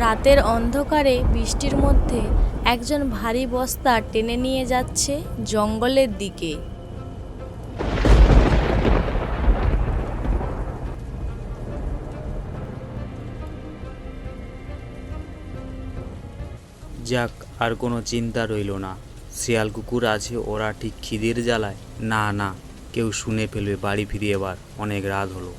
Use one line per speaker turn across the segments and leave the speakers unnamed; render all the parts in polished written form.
রাতের অন্ধকারে বৃষ্টির মধ্যে একজন ভারী বস্তা টেনে নিয়ে যাচ্ছে জঙ্গলের দিকে।
যাক, আর কোনো চিন্তা রইল না। শিয়াল কুকুর আছে, ওরা ঠিক খিদের জ্বালায় না না কেউ শুনে ফেলবে। বাড়ি ফিরে এবার অনেক রাত হলো।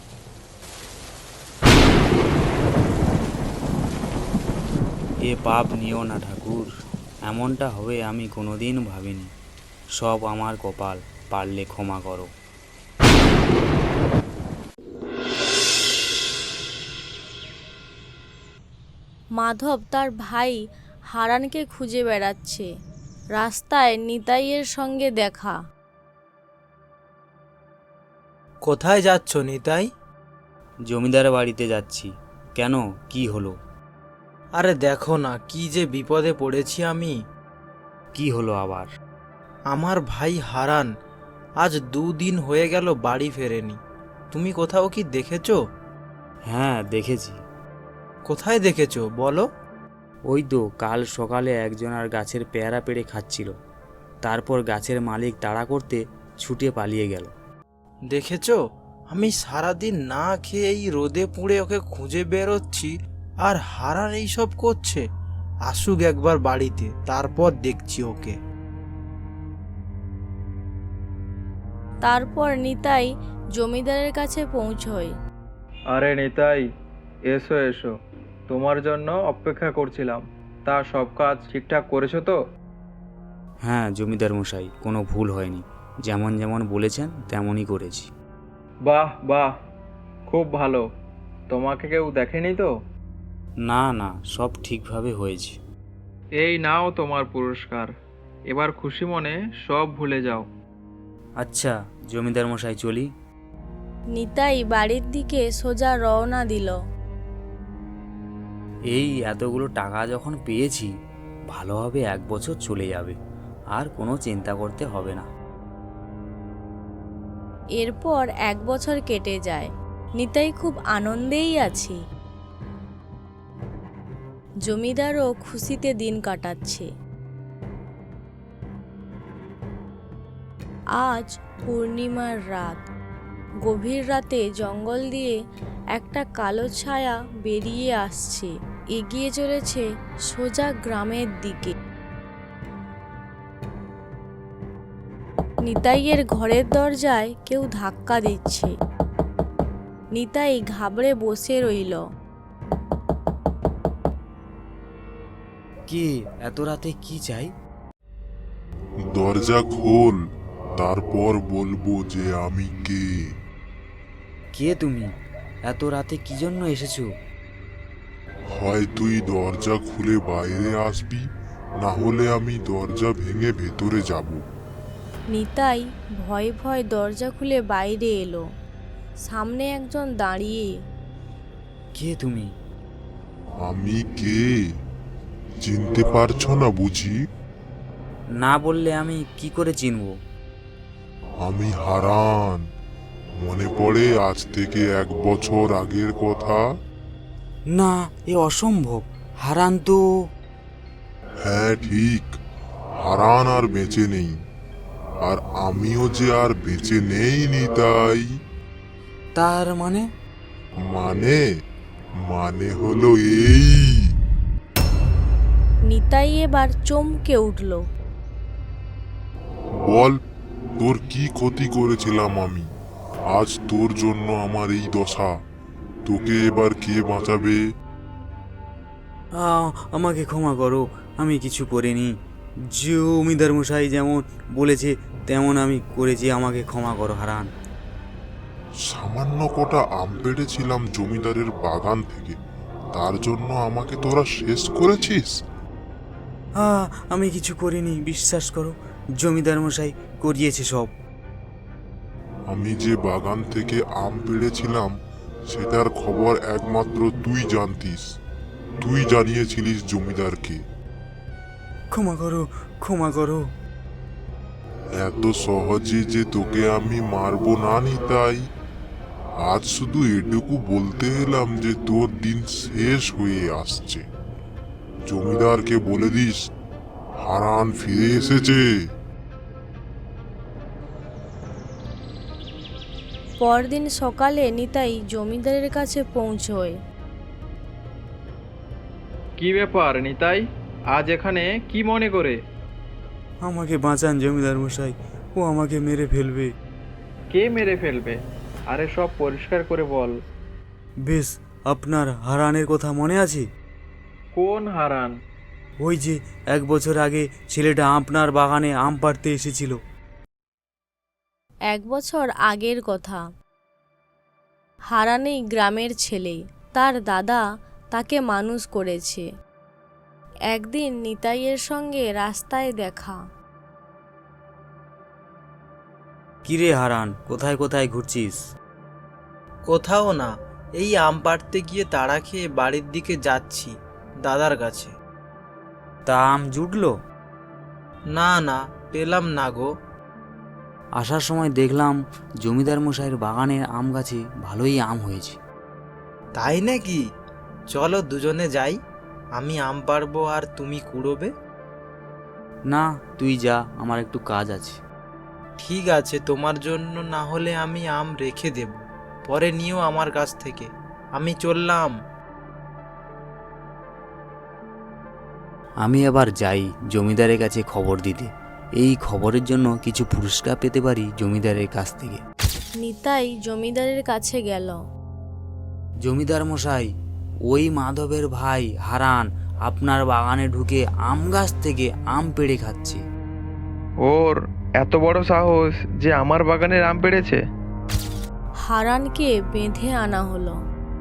এ পাপ নিও না ঠাকুর, এমনটা হবে আমি কোনোদিন ভাবিনি। সব আমার কপাল, পারলে ক্ষমা করো।
মাধব তার ভাই হারানকে খুঁজে বেড়াচ্ছে। রাস্তায় নিতাইয়ের সঙ্গে দেখা।
কোথায় যাচ্ছ নিতাই?
জমিদার বাড়িতে যাচ্ছি। কেন, কি হলো?
আরে দেখো না, কি যে বিপদে পড়েছি আমি।
কি হলো আবার?
আমার ভাই হারান আজ 2 দিন হয়ে গেল বাড়ি ফেরেনি। তুমি কোথাও কি দেখেছো?
হ্যাঁ, দেখেছি।
কোথায় দেখেছো বলো?
ওই তো কাল সকালে একজন আর গাছের পেয়ারা পেড়ে খাচ্ছিল। তারপর গাছের মালিক তাড়া করতে ছুটে পালিয়ে গেল।
দেখেছো, আমি সারাদিন না খেয়ে এই রোদে পুড়ে ওকে খুঁজে বেরোচ্ছি, আর হারান এইসব করছে। আসুক একবার বাড়িতে, তারপর দেখছি ওকে।
তারপর নিতাই জমিদারের কাছে পৌঁছয়।
আরে নিতাই, এসো এসো, তোমার জন্য অপেক্ষা করছিলাম। তা সব কাজ ঠিকঠাক করেছো তো?
হ্যাঁ জমিদার মশাই, কোনো ভুল হয়নি। যেমন যেমন বলেছেন তেমনই করেছি।
বাহ বাহ, খুব ভালো। তোমাকে কেউ দেখেনি তো?
না না, সব ঠিকভাবে হয়েছে।
এই নাও তোমার পুরস্কার। এবার খুশি মনে সব ভুলে যাও।
আচ্ছা জমিদার মশাই, চলি।
নিতাই বাড়ির দিকে সোজা রওনা দিল।
এই এতগুলো টাকা যখন পেয়েছি, ভালোভাবে 1 বছর চলে যাবে, আর কোনো চিন্তা করতে হবে না।
এরপর 1 বছর কেটে যায়। নিতাই খুব আনন্দেই আছে। জমিদারও খুশিতে দিন কাটাচ্ছে। আজ পূর্ণিমার রাত। গভীর রাতে জঙ্গল দিয়ে একটা কালো ছায়া বেরিয়ে আসছে, এগিয়ে চলেছে সোজা গ্রামের দিকে। নিতাইয়ের ঘরের দরজায় কেউ ধাক্কা দিচ্ছে। নিতাই ঘাবড়ে বসে রইল।
কে? এত রাতে কি চাই?
দরজা খোল, তারপর বলবো যে আমি কে।
কে তুমি? এত রাতে কি জন্য এসেছো?
হয় তুই দরজা খুলে বাইরে আসবি, না হলে আমি দরজা ভেঙে ভেতরে যাব।
নিতাই ভয়ে ভয়ে দরজা খুলে বাইরে এলো। সামনে একজন দাঁড়িয়ে।
কে তুমি?
আমি কে চিনতে পারছো না বুঝি?
না বললে আমি কি করে চিনবো?
আমি হারান। মনে পড়ে আজ থেকে 1 বছর আগের কথা?
না, এ অসম্ভব। হারান তো...
হ্যাঁ ঠিক, হারান আর বেঁচে নেই। আর আমিও যে আর বেঁচে নেই নিতাই।
তার মানে?
মানে মানে হলো এই।
নিতাই এবার চমকে উঠল।
বল, তোর কি ক্ষতি করেছিলাম আমি? আজ তোর জন্য আমার এই দশা। তোকে এবার কে বাঁচাবে?
আমাকে ক্ষমা করো, আমি কিছু করিনি। জমিদার মশাই যেমন বলেছে তেমন আমি করেছি, আমাকে ক্ষমা করো হারান।
সামান্য কটা আম পেড়েছিলাম জমিদারের বাগান থেকে, তার জন্য আমাকে তোরা শেষ করেছিস?
আমি কিছু করিনি, বিশ্বাস করো। জমিদার মশাই করিয়েছে সব।
আমি যে বাগান থেকে আম পেড়েছিলাম সেটার খবর একমাত্র তুই জানতিস। তুই জানিয়েছিলিস জমিদারকে।
ক্ষমা করো, ক্ষমা করো।
এত সহজে যে তোকে আমি মারবো না নিতাই। আজ শুধু এটুকু বলতে এলাম যে তোর দিন শেষ হয়ে আসছে। জমিদারকে বলে দিস হারান ফিরে এসেছে।
পরদিন সকালে নিতাই জমিদারের কাছে পৌঁছয়।
কি ব্যাপার নিতাই, আজ এখানে কি মনে করে?
আমাকে বাঁচান জমিদার মশাই, ও আমাকে মেরে ফেলবে।
কে মেরে ফেলবে? আরে সব পরিষ্কার করে বল।
বেশ, আপনার হারানের কথা মনে আছে?
কোন হারান?
ওই যে 1 বছর আগে ছেলেটা আপনার বাগানে আম পাড়তে এসেছিল।
1 বছর আগের কথা। হারানেই গ্রামের ছেলে, তার দাদা তাকে মানুষ করেছে। একদিন নিতাইয়ের সঙ্গে রাস্তায় দেখা।
কিরে হারান, কোথায় কোথায় ঘুরছিস?
কোথাও না, এই আম পাড়তে গিয়ে তাড়া খেয়ে বাড়ির দিকে যাচ্ছি দাদার কাছে।
তা আম জুটলো?
না না, পেলাম না গো।
আসার সময় দেখলাম জমিদার মশাইয়ের বাগানের আম গাছে ভালোই আম হয়েছে।
তাই নাকি? চলো দুজনে যাই, আমি আম পাড়বো আর তুমি কুড়োবে।
না, তুই যা, আমার একটু কাজ আছে।
ঠিক আছে, তোমার জন্য না হলে আমি আম রেখে দেব, পরে নিও আমার কাছ থেকে। আমি চললাম।
আমি আবার যাই জমিদারের কাছে খবর দিতে। এই খবরের জন্য কিছু পুরস্কার পেতে পারি জমিদারের কাছ থেকে।
নিতাই জমিদারের কাছে গেল।
জমিদার মশাই, ওই মাধবের ভাই হারান আপনার বাগানে ঢুকে আম গাছ থেকে আম পেড়ে খাচ্ছে।
ওর এত বড় সাহস যে আমার বাগানের আম পেড়েছে?
হারানকে বেঁধে আনা হলো।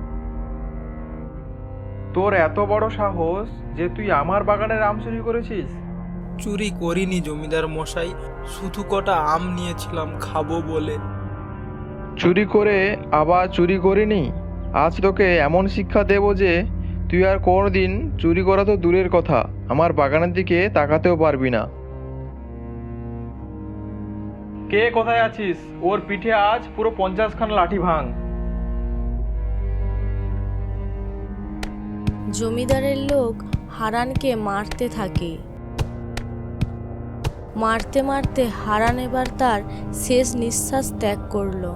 তোর এত বড় সাহস যে তুই আমার বাগানের আম চুরি করেছিস?
চুরি করিনি জমিদার মশাই, শুধু কটা আম নিয়েছিলাম খাবো বলে।
চুরি করে আবার চুরি করিনি? আজ তোকে এমন শিক্ষা দেব যে তুই আর কোনোদিন চুরি করা তো দূরের কথা, আমার বাগানের দিকে তাকাতেও পারবি না। কে কোথায় আছিস? ওর পিঠে আজ পুরো 50খানা লাঠি ভাঙ।
জমিদারের লোক হারানকে মারতে থাকে। মারতে মারতে হারান এবার তার শেষ নিঃশ্বাস ত্যাগ করলো।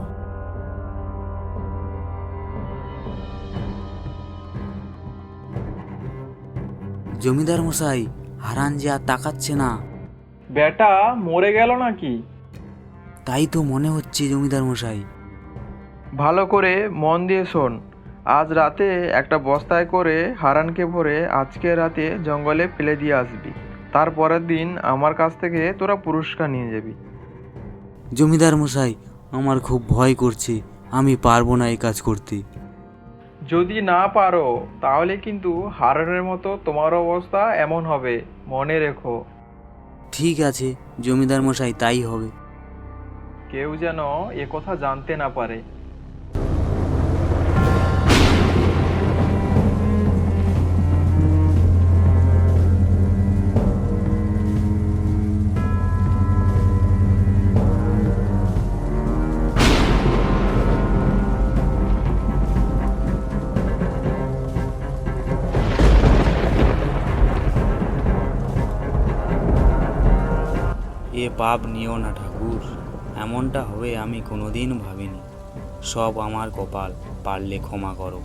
জমিদার মশাই, হারান যে আর তাকাচ্ছে না।
বেটা মরে গেল নাকি?
তাই তো মনে হচ্ছে জমিদার মশাই।
ভালো করে মন দিয়ে শোন। আজ রাতে একটা বস্তায় করে হারানকে ভরে আজকে রাতে জঙ্গলে ফেলে দিয়ে আসবি। তারপরের দিন আমার কাছ থেকে তোরা পুরস্কার নিয়ে যাবি।
জমিদার মশাই, আমার খুব ভয় করছে, আমি পারবো না এই কাজ করতে।
যদি না পারো তাহলে কিন্তু হারানের মতো তোমার অবস্থা এমন হবে, মনে রেখো।
ঠিক আছে জমিদার মশাই, তাই হবে।
কেউ যেন এ কথা জানতে না পারে।
এ পাপ নিও না ঠাকুর, এমনটা হবে আমি কোনোদিন ভাবিনি। সব আমার কপাল, পারলে ক্ষমা করো।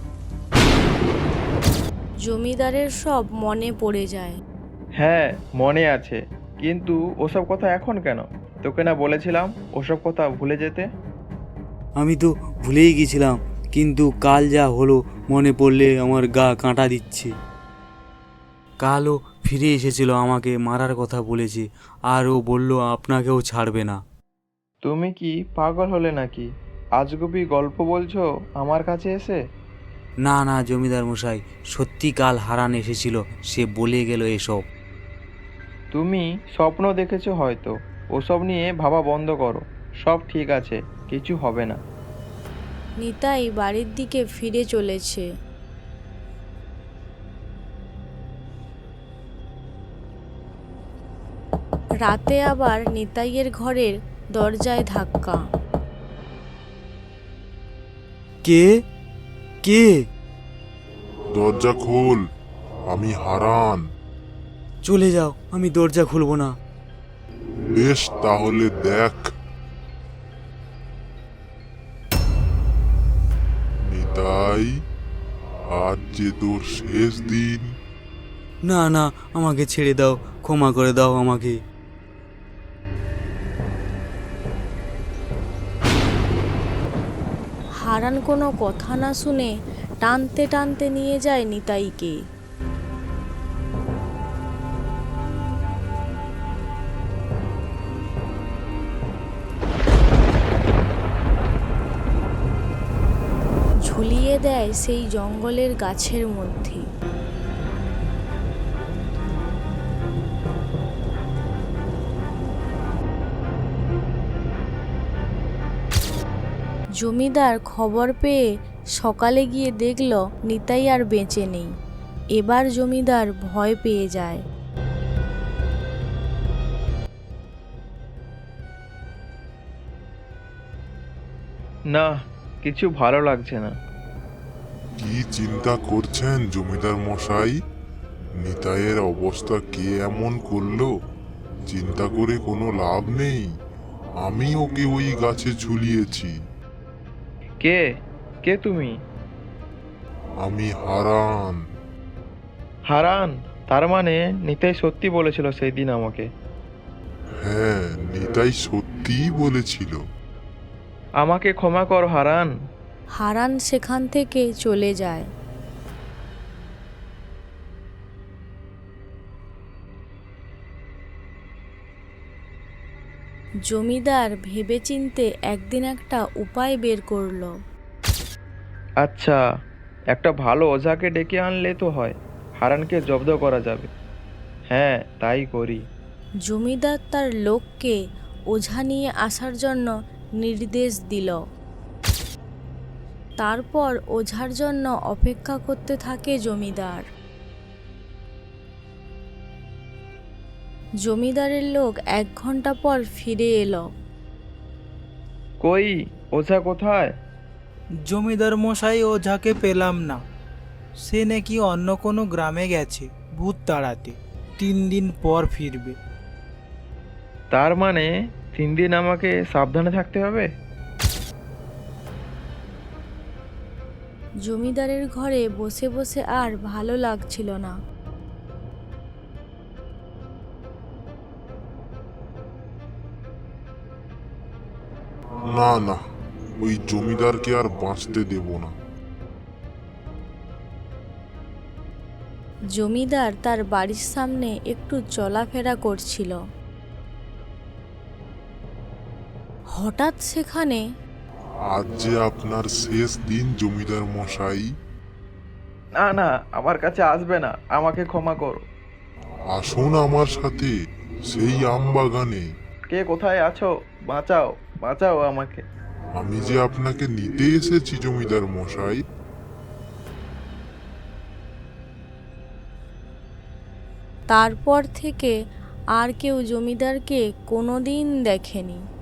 জমিদারের সব মনে পড়ে যায়।
হ্যাঁ মনে আছে, কিন্তু ওসব কথা এখন কেন? তোকে না বলেছিলাম ওসব কথা ভুলে যেতে?
আমি তো ভুলেই গেছিলাম, কিন্তু কাল যা হলো মনে পড়লে আমার গা কাঁটা দিচ্ছে। কালও ফিরে এসেছিল, আমাকে মারার কথা বলেছে, আর ও বলল আপনাকেও ছাড়বে না।
তুমি কি পাগল হলে নাকি? আজগুবি গল্প বলছো আমার কাছে এসে?
না না জমিদার মশাই, সত্যি কাল হারান এসেছিল, সে বলে গেল এসব।
তুমি স্বপ্ন দেখেছো হয়তো, ওসব নিয়ে ভাবা বন্ধ করো। সব ঠিক আছে, কিছু হবে না।
নিতাই বাড়ির দিকে ফিরে চলেছে। রাতে আবার নিতাইয়ের ঘরের দরজায় ধাক্কা।
কে কে?
দরজা খোল, আমি হারান।
চলে যাও, আমি দরজা খুলবো না।
বেশ, তাহলে দেখ। নিতাই, আজ যে তোর শেষ দিন।
না না, আমাকে ছেড়ে দাও, ক্ষমা করে দাও আমাকে।
হারান কোনো কথা না শুনে টানতে টানতে নিয়ে যায় নিতাইকে। ঝুলিয়ে দেয় সেই জঙ্গলের গাছের মধ্যে। জমিদার খবর পেয়ে সকালে গিয়ে দেখল নিতাই আর বেঁচে নেই। এবার জমিদার ভয় পেয়ে যায়।
না, কিছু ভালো লাগছে না।
কি চিন্তা করছেন জমিদার মশাই? নিতাইয়ের অবস্থা কে এমন করলো? চিন্তা করে কোনো লাভ নেই। আমি ওকে ওই গাছে ঝুলিয়েছি।
কে কে তুমি?
আমি হারান।
হারান? তার মানে নিতাই সত্যি বলেছিল সেই দিন আমাকে।
হ্যাঁ, নিতাই সত্যিই বলেছিল।
আমাকে ক্ষমা কর হারান।
হারান সেখান থেকে চলে যায়। জমিদার ভেবেচিন্তে একদিন একটা উপায় বের করলো।
আচ্ছা, একটা ভালো ওঝাকে ডেকে আনলে তো হয়, হারানকে জব্দ করা যাবে। হ্যাঁ, তাই করি।
জমিদার তার লোককে ওঝা নিয়ে আসার জন্য নির্দেশ দিল। তারপর ওঝার জন্য অপেক্ষা করতে থাকে জমিদার। জমিদারের লোক 1 ঘন্টা পর ফিরে এলো।
কই, ওঝা কোথায়?
জমিদার মশাই ওঝাকে পেলাম না। সে নাকি অন্য কোনো গ্রামে গেছে ভূত তাড়াতে। 3 দিন পর ফিরবে।
তার মানে 3 দিন আমাকে সাবধানে থাকতে হবে।
জমিদারের ঘরে বসে বসে আর ভালো লাগছিল না।
না না, ওই জমিদারকে আর বাঁচতে দেব না।
জমিদার তার বাড়ির সামনে একটু চলাফেরা করছিল। হঠাৎ সেখানে
আজ যে আপনার শেষ দিন জমিদার মশাই।
না না, আমার কাছে আসবে না, আমাকে ক্ষমা করো।
আসুন আমার সাথে সেই আম বাগানে।
কে কোথায় আছো? বাঁচাও, বাঁচাও আমাকে।
আমি যে আপনাকে নিতে এসেছি জমিদার মশাই।
তারপর থেকে আর কেউ জমিদারকে কোনোদিন দেখেনি।